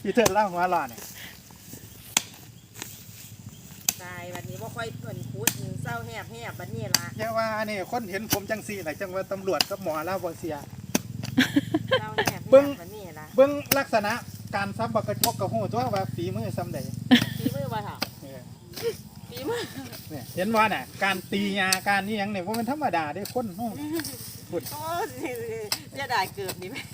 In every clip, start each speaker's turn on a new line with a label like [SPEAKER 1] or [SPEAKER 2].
[SPEAKER 1] พี่เถิดเล่าหัวหล่อเนี่ย
[SPEAKER 2] ตายวันนี้ว่าค่อยเพิ่นพูดเศร้าแหบบัดนี้ล่ะ
[SPEAKER 1] อย่าว่านี่คนเห็นผมจังซี่แหละจังว่าตำรวจกับหมอแล้วบ่เสีย
[SPEAKER 2] เศร้าแหบบัดนี้ล่ะ
[SPEAKER 1] เบิ่งลักษณะการซับบักกระจกกระหูตัวว่าฝีมือซ้ำใด
[SPEAKER 2] ฝีมือบ่ค่ะฝีมือ
[SPEAKER 1] เนี่ยเห็นว่าน่ะการตียาการนี่ยังเนี่ยว่ามันธรรมดาได้คนโอ้
[SPEAKER 2] พูดโอ้จะได้เกือบนี่ไหม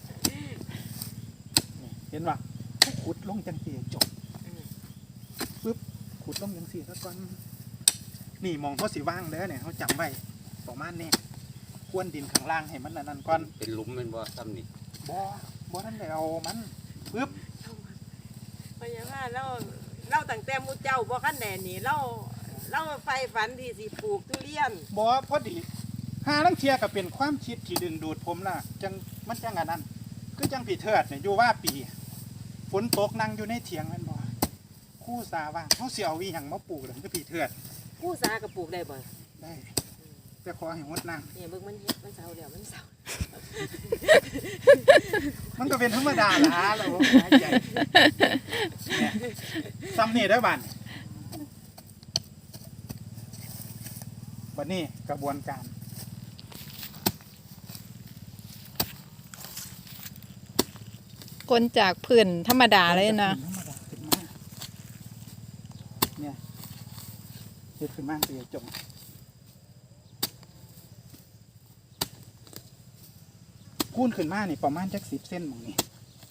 [SPEAKER 1] เห็นว่าขุดลงจังซี่จบปึ๊บขุดลงจังซี่แล้วก่อนนี่มองเขาสิว่างแล้วเนี่ยเขาจำไว้ประมาณนี้ควนดินข้างล่างให้มันนั่นก่อน
[SPEAKER 3] เป็นหลุมเป็นบ่ซ้ำนี่
[SPEAKER 1] บ่นั่นเลยเอามันปึ๊บ
[SPEAKER 2] พยาบาลเราตั้งแต่มูเจ้าบ่คันแน่นี่เราไฟฝันที่สิปลูกทุเรียน
[SPEAKER 1] บ่พอดีหาลังเทียก็เป็นความคิดที่ดึงดูดผมล่ะจังมันจังอันนั้นคือจังผีเถิดเนี่ยอยู่ว่าปีฝนตกนั่งอยู่ในเถียงแม่นบ่คู่สาว่างเขาเสียววิหยังมาปลูกเลยคือผีเถิด
[SPEAKER 2] คู่สาก็ปลูกได้บ่
[SPEAKER 1] ได้แต่ขอให้งดนั่ง
[SPEAKER 2] เนี่ยเบิ่งมันเศร้าเดี๋ยวมันเศร้า
[SPEAKER 1] มันก็เป็นธรรมดาล่ะเราหายใจเนี่ยซ้ำนี่ได้บัดนี้กระบวนการ
[SPEAKER 4] คนจากพื้นธรรมดาเลยนะ
[SPEAKER 1] เนี่ยเฮ็ดขึ้นมาเสียจงคูณขึ้นมานี่ประมาณจัก10 เส้นมองนี่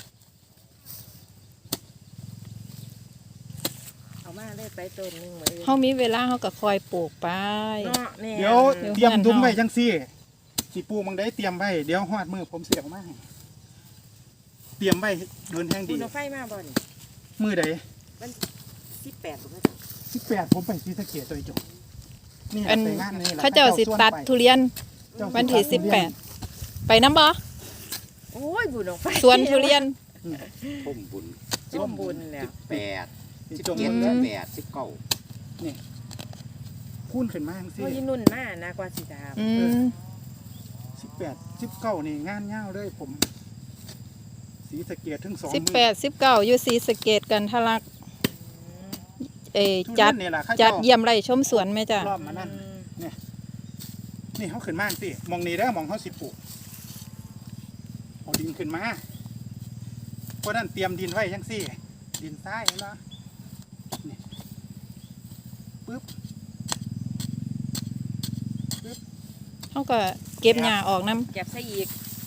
[SPEAKER 2] เอามาเลยไปต้นนึงไว้
[SPEAKER 4] เขามีเวลาเขาก็คอยปลูกไป
[SPEAKER 1] เดี๋ยวเตรียมดุ้มไว้จังซี่สิปลูกมังได้เตรียมไว้เดี๋ยวฮอดมือผมเสียออกมาเตรียมไว้เดินแห้งดี
[SPEAKER 2] ไฟมาบ่นี่
[SPEAKER 1] มือใด
[SPEAKER 2] มัน18บ่มั้
[SPEAKER 1] ง18ผมไปศรีสะเกษตัวจง
[SPEAKER 4] นี่ไปงานนี่ล่ะเขาเจ้าสิตัดทุเรียนวันที่18ไปน้ำบ่
[SPEAKER 2] โอ้ยบุญออกไป
[SPEAKER 4] สวนทุเรียน
[SPEAKER 3] พุ่มบุญ
[SPEAKER 2] แล้ว
[SPEAKER 3] 18 17 18 19
[SPEAKER 1] นี่คูณขึ้นมาจังซี่
[SPEAKER 2] ว่านุ่นมานะกว่าสิถาม
[SPEAKER 1] 18 19นี่งานยาวเลยผมศรีสะเกษถึง2
[SPEAKER 4] 18 19อยู่ศรีสะเกษกันทะลักจัดเยี่ยมไร่ชมสวนไหมจ๊ะ
[SPEAKER 1] รอบมานั่นเนี่ยนี่เขาขึ้นมาสิมองนี่ได้มองเขาสิปลูกเอาดินขึ้นมาเพราะนั้นเตรียมดินไว้ยังสิดินทรายนะนี่ปึ๊บ
[SPEAKER 4] เขาก็เก็บหญ้าออกน้
[SPEAKER 2] ำเก็บใส่อีก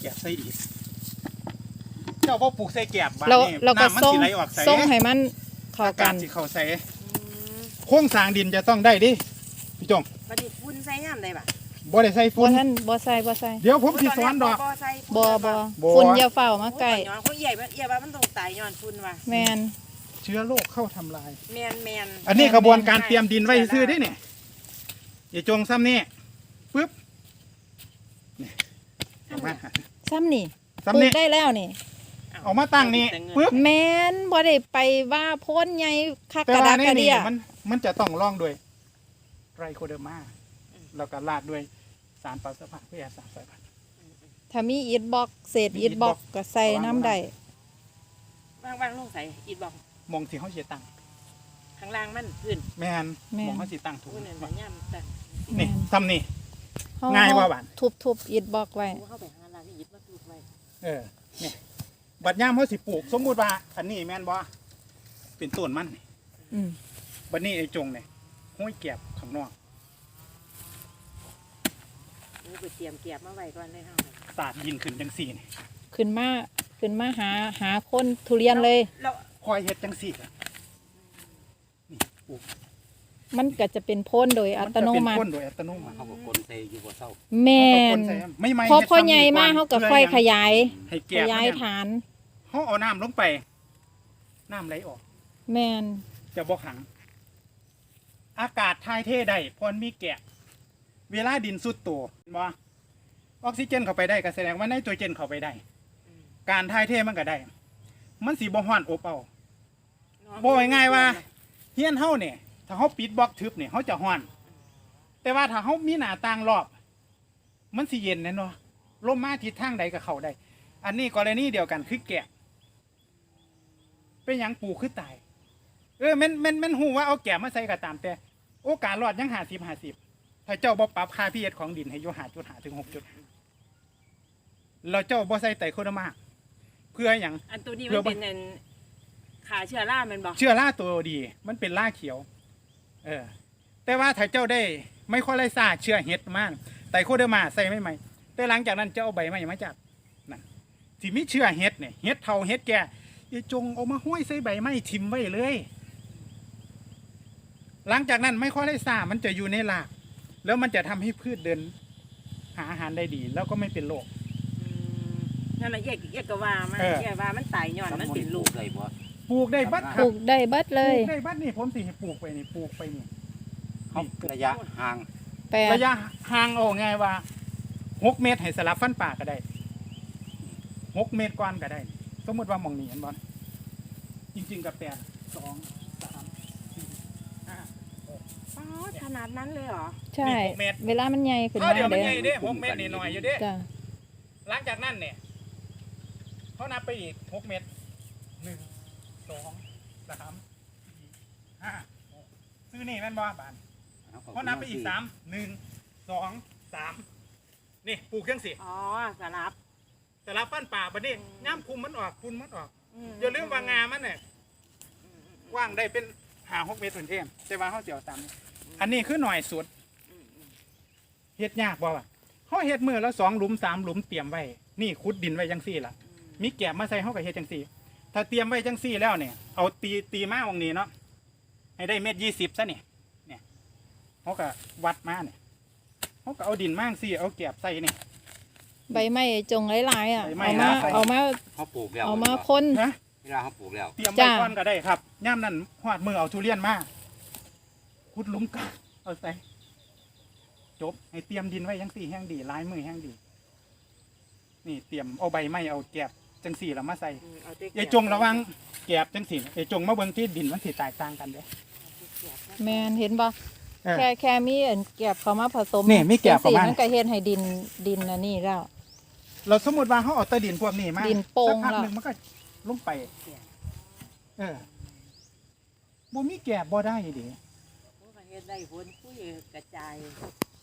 [SPEAKER 1] เจ้าพ่อปลูกใส่แกบบ้านนี่
[SPEAKER 4] เราก็ส่งให้มันเข้ากัน
[SPEAKER 1] สิเข้าใส่โค้งสร้างดินจะต้องได้ดิพี่จง
[SPEAKER 2] บัดนี้ฝุ่นใส่ยามได้บ่
[SPEAKER 1] บ่ได้ใส่ฝุ่น
[SPEAKER 4] บ่ใส่
[SPEAKER 1] เดี๋ยวผมสิสอนดอก
[SPEAKER 4] บ่ฝุ่นอย่าเฝ้ามาใกล้
[SPEAKER 2] ย้อนเขาใหญ่ว่ามันต้องตายย้อนฝุ่นว่ะ
[SPEAKER 4] แม่น
[SPEAKER 1] เชื้อโรคเข้าทำลาย
[SPEAKER 2] แม่น
[SPEAKER 1] อันนี้กระบวนการเตรียมดินไว้ซื้อดิเนี่ยอย่าจงซ้ำนี่ปึ๊บนี่
[SPEAKER 4] ซ้ำนี่ปลูกได้แล้วนี่
[SPEAKER 1] ออกมาตั้งนี่ปึ๊บ
[SPEAKER 4] แม่นบ่ได้ไปว่าพ้นใหญ่คักกระดากกระเดีย
[SPEAKER 1] มันจะต้องร่องด้วยไรโคเดอร์มาแล้วก็ราดด้วยสารปรับสภาพวิทยาศาสตร์สายพันธุ์
[SPEAKER 4] ถ้ามีอิฐบล็อกเศษอิฐบล็อกก็ใส่น้ำได้
[SPEAKER 2] วางลงใส่อิฐบล็อก
[SPEAKER 1] มองที่เขาเสียตัง
[SPEAKER 2] ข้างล่างมันพื้น
[SPEAKER 1] แมนมองเขาเสียตังถูก
[SPEAKER 2] นี่
[SPEAKER 1] ทำนี่ง่ายว่าบ้าน
[SPEAKER 4] ทุบอิฐบล็อกไว้
[SPEAKER 2] เข้าไปหาร้านอิฐมาปลูกไว้
[SPEAKER 1] นี่บัดย่ามเขาสิปลูกสมมุติว่าอันนี้แมนบ่เป็นต้นมันบัดนี้ไอ้จงเนี่ยห้อยแกบข้างนอก
[SPEAKER 2] ไปเตรียมเก็บมาไว้ก่อนเลยค่ะ
[SPEAKER 1] สาดดินขึ้นจังสี่นี่
[SPEAKER 4] ขึ้นมาหาคนทุเรียนเลย
[SPEAKER 1] คอยเฮ็ดจังสี่นี่ปลูก
[SPEAKER 4] มันก็จะเป็นพ่นโดยอัตโนมัติ
[SPEAKER 3] เขาบอกคนใส่อยู่บ่เศร้า
[SPEAKER 4] แม่นพอพ่อใหญ่มากเขาก็ค่อยขยายฐาน
[SPEAKER 1] เขาเอาน้ำลงไปน้ำไหลออก
[SPEAKER 4] แม่น
[SPEAKER 1] จะบ่ขังอากาศถ่ายเทได้พอมีแกะเวลาดินสุดตัวบ่ออกซิเจนเข้าไปได้ก็แสดงว่าไนโตรเจนเข้าไปได้การถ่ายเทมันก็ได้มันสีบ่ฮ้อนอบเอาบ่ง่ายว่าเฮียนเฮาเนี่ยถ้าเฮาปิดบล็อกทึบเนี่ยเฮาจะฮ้อนแต่ว่าถ้าเฮามีหน้าต่างรอบมันสิเย็นแน่นอนลมมาทิศทางใดก็เข้าได้อันนี้กรณีเดียวกันคือแกะเป็นหยังปลูกคือตายแม่นฮู้ว่าเอาแก้มาใส่ก็ตามแต่โอกาสรอดยัง50ถ้าเจ้าบ่ปรับค่า pH ของดินให้อยู่5.5ถึง 6.5แล้วเจ้าบ่ใส่ไตรโคเดอร์มาเพื่อหยัง
[SPEAKER 2] อันตัวนี้มันเป็นขาเชื้อราแม่นบ่
[SPEAKER 1] เชื้อราตัวดีมันเป็นราเขียวแต่ว่าถ้าเจ้าได้ไม่ค่อยไล่ซ่าเชื้อเห็ดมากไตรโคเดอร์มาใส่ไม่ไหมแต่หลังจากนั้นเจ้าเอาใบไม้มาจากนั่นที่มีเชื้อเห็ดเนี่ยเห็ดเทาเห็ดแก่อย่าจงเอามาห้อยใส่ใบไม้ทิ่มไว้เลย หลังจากนั้นไม่ค่อยไล่ซ่ามันจะอยู่ในรากแล้วมันจะทำให้พืชเดินหาอาหารได้ดี แล้วก็ไม่เป็นโรค
[SPEAKER 2] นั่นแหละแยกก็ว่ามันแยกว่ามันตายย้อนมันเป็นลูก
[SPEAKER 3] ได้บ่
[SPEAKER 1] ปลูกได้บัดค
[SPEAKER 4] ป
[SPEAKER 1] รับ
[SPEAKER 4] ลูกได้เบิดเล
[SPEAKER 1] ปลู
[SPEAKER 4] ย
[SPEAKER 1] กได้บัดนี่ผมสิให้ปลูกไปนี่ปลูกไปนี่
[SPEAKER 3] เขาระยะห่าง
[SPEAKER 4] 8
[SPEAKER 1] ระยะห่างเอาไงว่า6 เมตรให้สลับฟันป่าก็ได้6 เมตรก่อนก็ได้ สมมติว่าหมองนี้เห็นบอลจริงๆกับ8 2 3 4 5
[SPEAKER 2] ขนาดนั้นเลยเหรอ
[SPEAKER 4] ใช่
[SPEAKER 1] นี่6 เมตร
[SPEAKER 4] เวลามันใหญ่ขึ้น
[SPEAKER 1] เขา
[SPEAKER 4] มา
[SPEAKER 1] เดี๋ยวมัน
[SPEAKER 4] เด้
[SPEAKER 1] ใหญ่เด้6 เมตรนี่หน่อยอยู่เด้
[SPEAKER 4] จ้ะ
[SPEAKER 1] หลังจากนั้นเนี่ยเขานับไปอีก6 เมตร1 2 3 4 5 6ซื้อนี่แม่นบ่บานเขานับไปอีก3 1 2 3นี่ปลูกเครื่องสิ
[SPEAKER 2] อ๋อสลับ
[SPEAKER 1] แต่ละฟันป่าบัดนี้ย่ำคุมมันออกคุมมันออกอย่าลืมว่างามันเนี่ยกว้างได้เป็น5-6 เมตรเป็นเทมแต่ว่าเขาเจียวตามนี้อันนี้คือหน่อยสุดเฮ็ดยากบ่วะเขาเฮ็ดมือแล้ว2 หลุม 3 หลุมเตรียมไว้นี่ขุดดินไว้จังซี่ล่ะมีแกบมาใส่เขาก็เฮ็ดจังซี่ ถ้าเตรียมไว้จังซี่แล้วเนี่ยเอาตีมาตรงนี้เนาะให้ได้1.20 ซะเนี่ยเขาก็วัดมาเนี่ยเขาก็เอาดินมาจังซี่เอาแกบใส่เนี่ย
[SPEAKER 4] ใบไม้จงหลายๆอ่ะ
[SPEAKER 1] ใบไม้
[SPEAKER 4] เอามา
[SPEAKER 1] ใส่
[SPEAKER 4] เอามา
[SPEAKER 3] เขาปลูกแล้ว
[SPEAKER 4] เอามาพ่น
[SPEAKER 1] นะ
[SPEAKER 3] เวลาเขาปลูกแล้ว
[SPEAKER 1] เตรียมไว้
[SPEAKER 4] จ้า
[SPEAKER 1] ก่อนก็ได้ครับย่ามนั้นหอดมือเอาทุเรียนมาขุดหลุมกันเอาใส่จบให้เตรียมดินไว้จังซี่แห้งดีลายมือแห้งดี นี่เตรียมเอาใบไม้เอาแกบจังซี่แล้วมาใส่อย่าจงระวังแกบจังซี่อย่าจงมาเบิ่งที่ดินมันสิแตกต่างกันเด้
[SPEAKER 4] แม่นเห็นบ่
[SPEAKER 1] เออ
[SPEAKER 4] แค่มีอันแกบเข้ามาผสม
[SPEAKER 1] นี่มีแกบเข้ามา
[SPEAKER 4] จังซี่มันก็เฮ็ดให้ดินอันนี้แล้ว
[SPEAKER 1] เราสมมติว่าเขาเอาแตะดินพวกนี้มา
[SPEAKER 4] ดินโป่ง
[SPEAKER 1] สักพัก
[SPEAKER 4] แล้ว
[SPEAKER 1] หนึ่งมันก็ลงไปบ่มีแกบบ่ได้ดิ
[SPEAKER 2] เฮ็ดได้ผลคุยกระจาย